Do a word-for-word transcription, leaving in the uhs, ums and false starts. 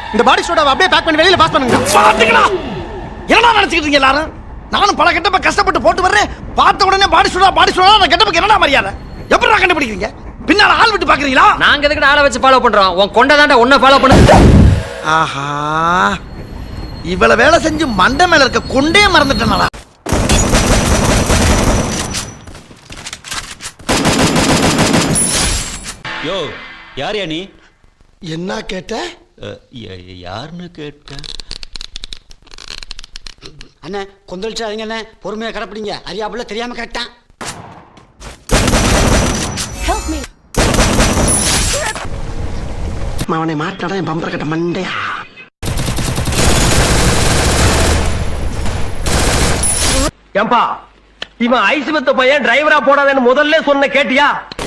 இந்த பாடி சோடாவை அப்படியே பேக் பண்ணி வெளியில பாஸ் பண்ணுங்க. பாத்துக்கடா. என்னடா நினைச்சிட்டு இருக்கீங்க எல்லாரும்? நானும் பல கெட்டப்ப கஷ்டப்பட்டு போட்டு வர்றேன். பார்த்த உடனே பாடி சோடா பாடி சோடா அந்த கெட்டப்புக்கு என்னடா மரியாதை? எப்படிடா கண்டுபிடிக்கிறீங்க? பின்னால ஆள் விட்டு பாக்குறீங்களா? நாங்க எதுக்கு ஆளை வச்சு ஃபாலோ பண்றோம்? உன் கொண்ட தாண்டா உன்னை ஃபாலோ பண்ணு. ஆஹா, இவ்வளவு வேலை செஞ்சு மண்டை மேல இருக்க கொண்டே மறந்துட்டேனடா. யோ, யார் யா நீ? என்ன கேட்ட? யாருன்னு கேட்ட? அண்ணே கொந்தளிச்சாதீங்க அண்ணே, பொறுமையா கடப்பிடிங்க. அறியாப்புல தெரியாம கேட்டான். அவனை மாட்டாடா என் பம்பர கட்ட மண்டையா. ஏம்பா, இவன் ஐஸ் வித்த பையன் டிரைவரா போடாதேன்னு முதல்ல சொன்ன கேட்டியா?